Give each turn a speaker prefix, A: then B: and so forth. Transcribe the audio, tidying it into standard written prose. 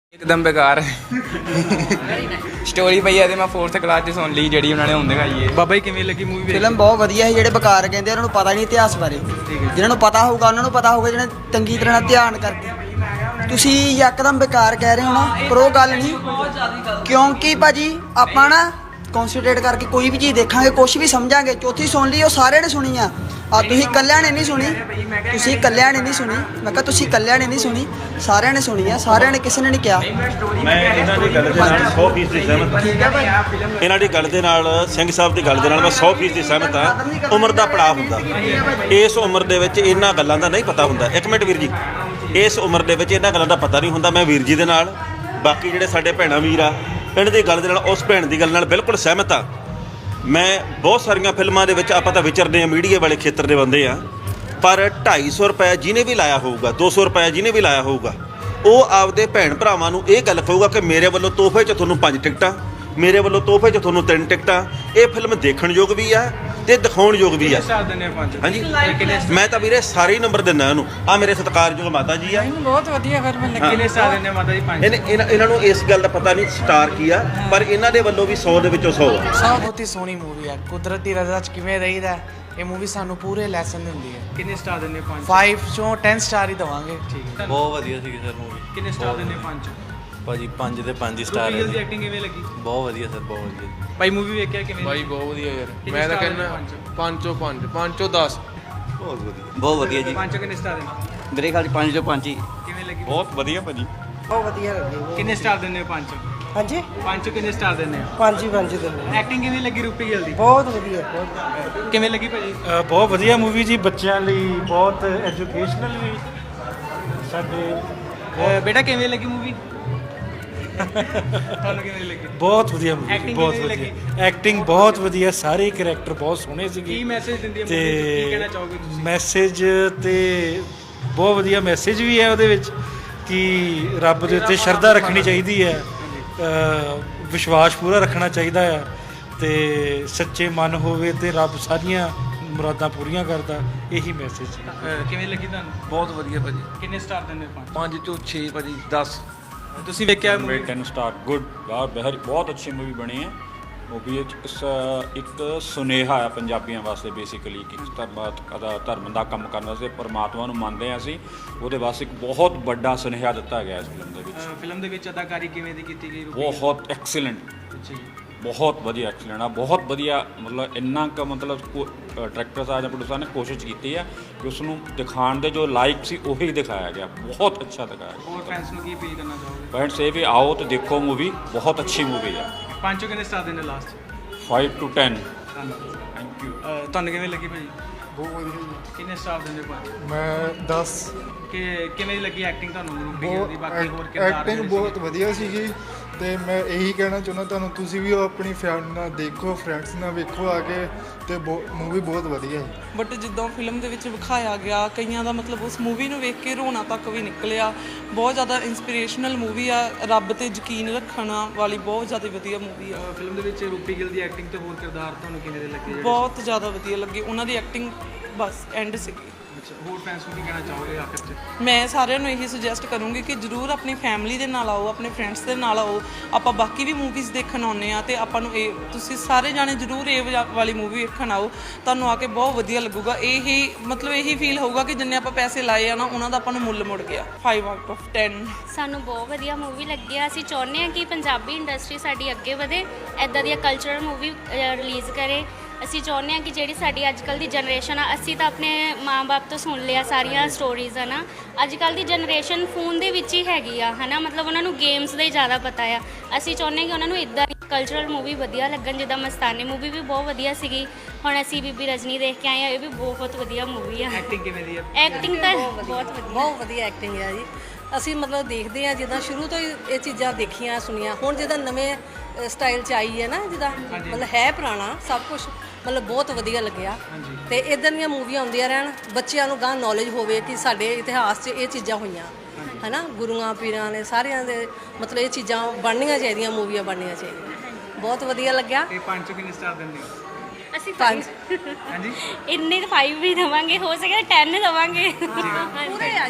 A: एकदम बेकार स्टोरी पई है मैं 4th क्लास च सुन ली ਜਿਹੜੀ ਉਹਨਾਂ ਨੇ ਹੁਣ ਦਿਖਾਈ ਹੈ। ਬਾਬਾ ਜੀ ਕਿਵੇਂ ਲੱਗੀ ਮੂਵੀ?
B: ਫਿਲਮ ਬਹੁਤ ਵਧੀਆ ਹੈ। ਜਿਹੜੇ ਬੇਕਾਰ ਕਹਿੰਦੇ ਉਹਨਾਂ ਨੂੰ ਪਤਾ ਨਹੀਂ ਇਤਿਹਾਸ ਬਾਰੇ, ਜਿਹਨਾਂ ਨੂੰ ਪਤਾ ਹੋਊਗਾ ਉਹਨਾਂ ਨੂੰ ਪਤਾ ਹੋਊਗਾ, ਜਿਹਨੇ ਚੰਗੀ ਤਰ੍ਹਾਂ ਧਿਆਨ ਕਰਕੇ। ਤੁਸੀਂ ਯਕਦਮ ਬੇਕਾਰ ਕਹਿ ਰਹੇ ਹੋ ਨਾ, ਪਰ ਉਹ ਗੱਲ ਨਹੀਂ, ਕਿਉਂਕਿ ਭਾਜੀ ਆਪਾਂ ਨਾ ਕਨਸੈਂਟਰੇਟ ਕਰਕੇ ਕੋਈ ਵੀ ਚੀਜ਼ ਦੇਖਾਂਗੇ, ਕੁਛ ਵੀ ਸਮਝਾਂਗੇ। ਚੌਥੀ ਸੁਣ ਲਈ, ਉਹ ਸਾਰਿਆਂ ਨੇ ਸੁਣੀ ਆ, ਤੁਸੀਂ ਇਕੱਲਿਆਂ ਨੇ ਨਹੀਂ ਸੁਣੀ, ਤੁਸੀਂ ਇਕੱਲਿਆਂ ਨੇ ਨਹੀਂ ਸੁਣੀ। ਮੈਂ ਕਿਹਾ ਤੁਸੀਂ ਇਕੱਲਿਆਂ ਨੇ ਨਹੀਂ ਸੁਣੀ, ਸਾਰਿਆਂ ਨੇ ਸੁਣੀ ਆ, ਸਾਰਿਆਂ ਨੇ, ਕਿਸੇ ਨੇ ਨਹੀਂ ਕਿਹਾ।
C: ਮੈਂ ਇਹਨਾਂ ਦੀ ਗੱਲ ਦੇ ਨਾਲ 100% ਦੀ ਸਹਿਮਤ ਹਾਂ।
B: ਠੀਕ ਹੈ ਭਾਈ,
C: ਇਹਨਾਂ ਦੀ ਗੱਲ ਦੇ ਨਾਲ, ਸਿੰਘ ਸਾਹਿਬ ਦੀ ਗੱਲ ਦੇ ਨਾਲ ਮੈਂ 100% ਦੀ ਸਹਿਮਤ ਹਾਂ। ਉਮਰ ਦਾ ਪੜਾਅ ਹੁੰਦਾ, ਇਸ ਉਮਰ ਦੇ ਵਿੱਚ ਇਹਨਾਂ ਗੱਲਾਂ ਦਾ ਨਹੀਂ ਪਤਾ ਹੁੰਦਾ। ਇੱਕ ਮਿੰਟ ਵੀਰ ਜੀ, ਇਸ ਉਮਰ ਦੇ ਵਿੱਚ ਇਹਨਾਂ ਗੱਲਾਂ ਦਾ ਪਤਾ ਨਹੀਂ ਹੁੰਦਾ। ਮੈਂ ਵੀਰ ਜੀ ਦੇ ਨਾਲ, ਬਾਕੀ ਜਿਹੜੇ ਸਾਡੇ ਭੈਣਾਂ ਵੀਰ ਆ, ਇਹਨਾਂ ਦੀ ਗੱਲ ਦੇ ਨਾਲ, ਉਸ ਭੈਣ ਦੀ ਗੱਲ ਨਾਲ ਬਿਲਕੁਲ ਸਹਿਮਤ ਹਾਂ। ਮੈਂ ਬਹੁਤ ਸਾਰੀਆਂ ਫਿਲਮਾਂ ਦੇ ਵਿੱਚ ਆਪਾਂ ਤਾਂ ਵਿਚਰਦੇ ਹਾਂ, ਮੀਡੀਆ ਵਾਲੇ ਖੇਤਰ ਦੇ ਬੰਦੇ ਆ, ਪਰ 250 ਰੁਪਏ ਜਿਹਨੇ ਵੀ ਲਾਇਆ ਹੋਊਗਾ, 200 ਰੁਪਏ ਜਿਹਨੇ ਵੀ ਲਾਇਆ ਹੋਊਗਾ, ਉਹ ਆਪਦੇ ਭੈਣ ਭਰਾਵਾਂ ਨੂੰ ਇਹ ਗੱਲ ਕਹੂਗਾ ਕਿ ਮੇਰੇ ਵੱਲੋਂ ਤੋਹਫੇ 'ਚ ਤੁਹਾਨੂੰ 5 ਟਿਕਟਾਂ, ਮੇਰੇ ਵੱਲੋਂ ਤੋਹਫੇ 'ਚ ਤੁਹਾਨੂੰ 3 ਟਿਕਟਾਂ। ਇਹ ਫਿਲਮ ਦੇਖਣ ਯੋਗ ਵੀ ਆ ਤੇ ਦਿਖਾਉਣ ਯੋਗ ਵੀ ਆ। ਹਾਂਜੀ, ਮੈਂ ਤਾਂ ਵੀਰੇ ਸਾਰੇ ਹੀ ਨੰਬਰ ਦਿੰਦਾ ਇਹਨੂੰ। ਆ ਮੇਰੇ ਸਤਿਕਾਰਯੋਗ ਮਾਤਾ ਜੀ ਆ,
D: ਬਹੁਤ ਵਧੀਆ ਫਿਲਮ ਲੱਗੀ।
A: ਕਿੰਨੇ ਸਟਾਰ ਦਿੰਦੇ ਮਾਤਾ ਜੀ? 5।
C: ਇਹਨਾਂ ਨੂੰ ਇਸ ਗੱਲ ਦਾ ਪਤਾ ਨਹੀਂ ਸਟਾਰ ਕੀ ਆ, ਪਰ ਇਹਨਾਂ ਦੇ ਵੱਲੋਂ ਵੀ 100 ਦੇ ਵਿੱਚੋਂ 100 ਆ।
D: ਬਹੁਤ ਹੀ ਸੋਹਣੀ ਮੂਵੀ ਹੈ। ਕੁਦਰਤ ਦੀ ਰਜ਼ਾ 'ਚ ਕਿਵੇਂ ਰਹੀਦਾ, ਇਹ ਮੂਵੀ ਸਾਨੂੰ ਪੂਰੇ ਲੈਸਨ ਦਿੰਦੀ ਹੈ।
A: ਕਿੰਨੇ ਸਟਾਰ ਦਿੰਦੇ? 5।
D: 5 ਚੋਂ 10 ਸਟਾਰ ਹੀ ਦਵਾਂਗੇ।
A: ਠੀਕ ਹੈ,
E: ਬਹੁਤ ਵਧੀਆ ਸੀ ਸਰ ਮੂਵੀ।
A: ਕਿੰਨੇ ਸਟਾਰ ਦਿੰਦੇ? 5।
E: ਭਾਜੀ 5 ਦੇ 5 ਸਟਾਰ ਹੈ
A: ਦੀ
E: ਜੀ।
A: ਐਕਟਿੰਗ ਕਿਵੇਂ ਲੱਗੀ?
E: ਬਹੁਤ ਵਧੀਆ ਸਰ, ਬਹੁਤ ਵਧੀਆ।
A: ਭਾਈ ਮੂਵੀ ਵੇਖਿਆ ਕਿਵੇਂ?
F: ਭਾਈ ਬਹੁਤ ਵਧੀਆ ਯਾਰ,
A: ਕਿੰਨੇ
F: ਮੈਂ ਤਾਂ
A: star
F: ਕਹਿੰਦਾ
A: ਦਿੰਦੇ?
F: 5 ਚੋਂ 5, 5 ਚੋਂ 10।
C: ਬਹੁਤ ਵਧੀਆ।
E: ਬਹੁਤ ਵਧੀਆ ਜੀ।
A: 5 ਕਿੰਨੇ ਸਟਾਰ ਦਿੰਦੇ?
E: ਮੇਰੇ ਖਿਆਲ 5 ਚੋਂ 5 ਹੀ।
A: ਕਿਵੇਂ ਲੱਗੀ?
C: ਬਹੁਤ ਵਧੀਆ ਭਾਜੀ।
B: ਬਹੁਤ ਵਧੀਆ ਲੱਗੀ।
A: ਕਿੰਨੇ ਸਟਾਰ ਦਿੰਦੇ ਹੋ? 5।
B: ਹਾਂਜੀ,
A: 5 ਕਿੰਨੇ ਸਟਾਰ ਦਿੰਦੇ ਹੋ?
B: 5 ਹੀ 5 ਦਿਨ।
A: ਐਕਟਿੰਗ ਕਿਵੇਂ ਲੱਗੀ ਰੂਪੀ ਗਿੱਲ ਦੀ?
B: ਬਹੁਤ ਵਧੀਆ, ਬਹੁਤ
A: ਕਿਵੇਂ ਲੱਗੀ ਭਾਜੀ?
G: ਬਹੁਤ ਵਧੀਆ ਮੂਵੀ ਜੀ, ਬੱਚਿਆਂ ਲਈ ਬਹੁਤ ਐਜੂਕੇਸ਼ਨਲ ਵੀ। ਸਾਡੇ
A: ਬੇਟਾ ਕਿਵੇਂ ਲੱਗੀ ਮੂਵੀ? ਤੁਹਾਨੂੰ ਕਿਵੇਂ ਲੱਗੀ?
G: ਬਹੁਤ ਵਧੀਆ ਮੂਵੀ,
A: Acting
G: ਬਹੁਤ
A: ਕਿਵੇਂ
G: ਵਧੀਆ ਐਕਟਿੰਗ, ਬਹੁਤ ਵਧੀਆ, ਸਾਰੇ ਕਰੈਕਟਰ ਬਹੁਤ ਸੋਹਣੇ ਸੀਗੇ।
A: ਕੀ ਮੈਸੇਜ ਦਿੰਦੀ ਹੈ ਮੂਵੀ? ਕੀ ਕਹਿਣਾ ਚਾਹੋਗੇ ਤੁਸੀਂ?
G: ਮੈਸੇਜ ਤੇ ਬਹੁਤ ਵਧੀਆ ਮੈਸੇਜ ਵੀ ਹੈ ਉਹਦੇ ਵਿੱਚ ਕਿ ਰੱਬ ਦੇ ਉੱਤੇ ਸ਼ਰਧਾ ਰੱਖਣੀ ਚਾਹੀਦੀ ਹੈ, ਵਿਸ਼ਵਾਸ ਪੂਰਾ ਰੱਖਣਾ ਚਾਹੀਦਾ ਆ, ਤੇ ਸੱਚੇ ਮਨ ਹੋਵੇ ਤੇ ਰੱਬ ਸਾਰੀਆਂ ਮੁਰਾਦਾਂ ਪੂਰੀਆਂ ਕਰਦਾ। ਇਹੀ ਮੈਸੇਜ ਹੈ।
A: ਕਿਵੇਂ ਲੱਗੀ ਤੁਹਾਨੂੰ?
F: ਬਹੁਤ ਵਧੀਆ ਭਾਜੀ।
A: ਕਿੰਨੇ ਸਟਾਰ ਦਿੰਦੇ ਹੋ? 5।
F: 5 ਚੋਂ 6 ਭਾਜੀ, 10।
A: ਤੁਸੀਂ ਵੇਖਿਆ
H: ਮੇਰੇ 10 ਸਟਾਰ ਗੁੱਡ ਯਾਰ, ਬਹੁਤ ਅੱਛੀ ਮੂਵੀ ਬਣੀ ਹੈ। ਮੂਵੀ ਵਿੱਚ ਇੱਕ ਸੁਨੇਹਾ ਆ ਪੰਜਾਬੀਆਂ ਵਾਸਤੇ, ਬੇਸਿਕਲੀ ਕਿ ਧਰਮ ਦਾ ਕੰਮ ਕਰਨ ਵਾਸਤੇ ਪਰਮਾਤਮਾ ਨੂੰ ਮੰਨਦੇ ਹਾਂ ਅਸੀਂ, ਉਹਦੇ ਵਾਸਤੇ ਇੱਕ ਬਹੁਤ ਵੱਡਾ ਸੁਨੇਹਾ ਦਿੱਤਾ ਗਿਆ ਇਸ ਫਿਲਮ ਦੇ ਵਿੱਚ।
A: ਫਿਲਮ ਦੇ ਵਿੱਚ ਅਦਾਕਾਰੀ ਕਿਵੇਂ ਦੀ ਕੀਤੀ ਗਈ?
H: ਬਹੁਤ ਐਕਸੀਲੈਂਟ,
A: ਅੱਛਾ ਜੀ,
H: ਬਹੁਤ ਵਧੀਆ ਐਕਸੀਲੈਂਟ ਆ, ਬਹੁਤ ਵਧੀਆ। ਮਤਲਬ ਇੰਨਾ ਕੁ ਮਤਲਬ ਡਾਇਰੈਕਟਰ ਸਾਹਿਬ ਜਾਂ ਪ੍ਰੋਡਿਊਸਰ ਨੇ ਕੋਸ਼ਿਸ਼ ਕੀਤੀ ਹੈ ਕਿ ਉਸ ਨੂੰ ਦਿਖਾਉਣ ਦੇ ਜੋ ਲਾਇਕ ਸੀ ਉਹੀ ਦਿਖਾਇਆ ਗਿਆ। ਬਹੁਤ ਅੱਛਾ ਦਿਖਾਇਆ ਗਿਆ।
A: ਹੋਰ ਫੈਨਸ ਨੂੰ ਕੀ ਅਪੀਲ ਕਰਨਾ ਚਾਹੋਗੇ?
H: ਫਰੈਂਡਸ ਇਹ ਵੀ ਆਓ ਤੇ ਦੇਖੋ ਮੂਵੀ, ਬਹੁਤ ਅੱਛੀ ਮੂਵੀ ਹੈ।
A: 5 ਕਿੰਨੇ ਸਟਾਰ ਦਿੰਦੇ ਲਾਸਟ?
H: 5 to 10।
A: Thank you. ਤੁਹਾਨੂੰ ਕਿਵੇਂ ਲੱਗੀ ਭਾਜੀ?
F: ਬਹੁਤ ਵਧੀਆ।
A: ਕਿੰਨੇ ਸਟਾਰ ਦਿੰਦੇ 5?
I: ਮੈਂ 10।
A: ਕਿ ਕਿਵੇਂ ਦੀ ਲੱਗੀ ਐਕਟਿੰਗ ਤੁਹਾਨੂੰ ਰੂਪੀ ਗਿੱਲ ਦੀ? ਬਾਕੀ ਹੋਰ ਕਿਰਦਾਰ
I: ਐਕਟਿੰਗ
A: ਜਿਹੜੇ
I: ਬਹੁਤ ਵਧੀਆ ਸੀਗੀ, ਤੇ ਮੈਂ ਇਹੀ ਕਹਿਣਾ ਚਾਹੁੰਦਾ ਤੁਹਾਨੂੰ, ਤੁਸੀਂ ਵੀ ਆਪਣੀ ਫੈਮਿਲੀ ਨਾਲ ਦੇਖੋ, ਫਰੈਂਡਸ ਨਾਲ ਵੇਖੋ ਆ ਕੇ, ਤੇ ਮੂਵੀ ਬਹੁਤ ਵਧੀਆ ਹੈ।
D: ਬਟ ਜਿੱਦਾਂ ਫਿਲਮ ਦੇ ਵਿੱਚ ਵਿਖਾਇਆ ਗਿਆ, ਕਈਆਂ ਦਾ ਮਤਲਬ ਉਸ ਮੂਵੀ ਨੂੰ ਵੇਖ ਕੇ ਰੋਣਾ ਤੱਕ ਵੀ ਨਿਕਲਿਆ। ਬਹੁਤ ਜ਼ਿਆਦਾ ਇੰਸਪੀਰੇਸ਼ਨਲ ਮੂਵੀ ਆ, ਰੱਬ ਤੇ ਯਕੀਨ ਰੱਖਣ ਵਾਲੀ ਬਹੁਤ ਜ਼ਿਆਦਾ ਵਧੀਆ ਮੂਵੀ ਆ।
A: ਫਿਲਮ ਦੇ ਵਿੱਚ ਰੂਪੀ ਗਿੱਲ ਦੀ ਐਕਟਿੰਗ ਤੇ ਹੋਰ ਕਿਰਦਾਰ ਤੁਹਾਨੂੰ ਕਿਵੇਂ ਦੇ ਲੱਗੇ ਜਿਹੜੇ?
D: ਬਹੁਤ ਜ਼ਿਆਦਾ ਵਧੀਆ ਲੱਗੀ ਉਹਨਾਂ ਦੀ ਐਕਟਿੰਗ, ਬਸ ਐਂਡ ਸੀਗੀ।
A: ਅੱਛਾ, ਹੋਰ ਫੈਨਸ ਨੂੰ ਕੀ ਕਹਿਣਾ ਚਾਹੋਗੇ ਆਖਿਰ 'ਚ?
D: ਮੈਂ ਸਾਰਿਆਂ ਨੂੰ ਇਹੀ ਸੁਜੈਸਟ ਕਰੂੰਗੀ ਕਿ ਜ਼ਰੂਰ ਆਪਣੀ ਫੈਮਿਲੀ ਦੇ ਨਾਲ ਆਓ, ਆਪਣੇ ਫਰੈਂਡਸ ਦੇ ਨਾਲ ਆਓ। ਆਪਾਂ ਬਾਕੀ ਵੀ ਮੂਵੀਜ਼ ਦੇਖਣ ਆਉਂਦੇ ਆ, ਤੇ ਆਪਾਂ ਨੂੰ ਇਹ, ਤੁਸੀਂ ਸਾਰੇ ਜਾਣੇ ਜ਼ਰੂਰ ਇਹ ਵਾਲੀ ਮੂਵੀ ਵੇਖਣ ਆਓ, ਤੁਹਾਨੂੰ ਆ ਕੇ ਬਹੁਤ ਵਧੀਆ ਲੱਗੂਗਾ। ਇਹੀ ਮਤਲਬ ਇਹੀ ਫੀਲ ਹੋਊਗਾ ਕਿ ਜਿੰਨੇ ਆਪਾਂ ਪੈਸੇ ਲਾਏ ਆ ਨਾ, ਉਹਨਾਂ ਦਾ ਆਪਾਂ ਨੂੰ ਮੁੱਲ ਮੁੜ ਗਿਆ। 5 out of 10।
J: ਸਾਨੂੰ ਬਹੁਤ ਵਧੀਆ ਮੂਵੀ ਲੱਗੀ ਆ। ਅਸੀਂ ਚਾਹੁੰਦੇ ਹਾਂ ਕਿ ਪੰਜਾਬੀ ਇੰਡਸਟਰੀ ਸਾਡੀ ਅੱਗੇ ਵਧੇ, ਇੱਦਾਂ ਦੀਆਂ ਕਲਚਰਲ ਮੂਵੀ ਰਿਲੀਜ਼ ਕਰੇ। ਅਸੀਂ ਚਾਹੁੰਦੇ ਹਾਂ ਕਿ ਜਿਹੜੀ ਸਾਡੀ ਅੱਜ ਕੱਲ੍ਹ ਦੀ ਜਨਰੇਸ਼ਨ ਆ, ਅਸੀਂ ਤਾਂ ਆਪਣੇ ਮਾਂ-ਬਾਪ ਤੋਂ ਸੁਣ ਲਿਆ ਸਾਰੀਆਂ ਸਟੋਰੀਜ਼ ਆ ਨਾ, ਅੱਜ ਕੱਲ੍ਹ ਦੀ ਜਨਰੇਸ਼ਨ ਫੋਨ ਦੇ ਵਿੱਚ ਹੀ ਹੈਗੀ ਆ, ਹੈ ਨਾ, ਮਤਲਬ ਉਹਨਾਂ ਨੂੰ ਗੇਮਸ ਦਾ ਹੀ ਜ਼ਿਆਦਾ ਪਤਾ ਆ। ਅਸੀਂ ਚਾਹੁੰਦੇ ਹਾਂ ਕਿ ਉਹਨਾਂ ਨੂੰ ਇੱਦਾਂ ਦੀ ਕਲਚਰਲ ਮੂਵੀ ਵਧੀਆ ਲੱਗਣ, ਜਿੱਦਾਂ ਮਸਤਾਨੀ ਮੂਵੀ ਵੀ ਬਹੁਤ ਵਧੀਆ ਸੀਗੀ, ਹੁਣ ਅਸੀਂ ਬੀਬੀ ਰਜਨੀ ਦੇਖ ਕੇ ਆਏ ਆ, ਇਹ ਵੀ ਬਹੁਤ ਵਧੀਆ ਮੂਵੀ ਆ।
A: ਐਕਟਿੰਗ ਕਿਵੇਂ ਦੀ ਹੈ?
J: ਐਕਟਿੰਗ ਤਾਂ ਬਹੁਤ
K: ਵਧੀਆ ਐਕਟਿੰਗ ਹੈ ਜੀ। ਅਸੀਂ ਮਤਲਬ ਦੇਖਦੇ ਹਾਂ, ਜਿੱਦਾਂ ਸ਼ੁਰੂ ਤੋਂ ਹੀ ਇਹ ਚੀਜ਼ਾਂ ਦੇਖੀਆਂ ਸੁਣੀਆਂ, ਹੁਣ ਜਿੱਦਾਂ ਨਵੇਂ ਸਟਾਈਲ 'ਚ ਆਈ ਹੈ ਨਾ, ਜਿੱਦਾਂ ਮਤਲਬ ਹੈ ਪੁਰਾਣਾ ਸਭ ਕੁਝ, ਮਤਲਬ ਬਹੁਤ ਵਧੀਆ ਲੱਗਿਆ। ਤੇ ਇੱਦਾਂ ਦੀਆਂ ਮੂਵੀਆਂ ਆਉਂਦੀਆਂ ਰਹਿਣ, ਬੱਚਿਆਂ ਨੂੰ ਗਾਂ ਨੌਲੇਜ ਹੋਵੇ ਕਿ ਸਾਡੇ ਇਤਿਹਾਸ 'ਚ ਇਹ ਚੀਜ਼ਾਂ ਹੋਈਆਂ, ਹੈ ਨਾ, ਗੁਰੂਆਂ ਪੀਰਾਂ ਨੇ ਸਾਰਿਆਂ ਦੇ, ਮਤਲਬ ਇਹ ਚੀਜ਼ਾਂ ਬਣਨੀਆਂ ਚਾਹੀਦੀਆਂ, ਮੂਵੀਆਂ ਬਣਨੀਆਂ ਚਾਹੀਦੀਆਂ। ਬਹੁਤ ਵਧੀਆ ਲੱਗਿਆ।
A: ਇਹ 5 ਕਿੰਨੇ ਸਟਾਰ ਦਿੰਦੇ ਹੋ?
J: ਅਸੀਂ 5
A: ਹਾਂਜੀ,
J: ਇੰਨੇ 5 ਵੀ ਦੇਵਾਂਗੇ, ਹੋ ਸਕੇ 10 ਦੇਵਾਂਗੇ।
K: ਪੂਰੇ ਆ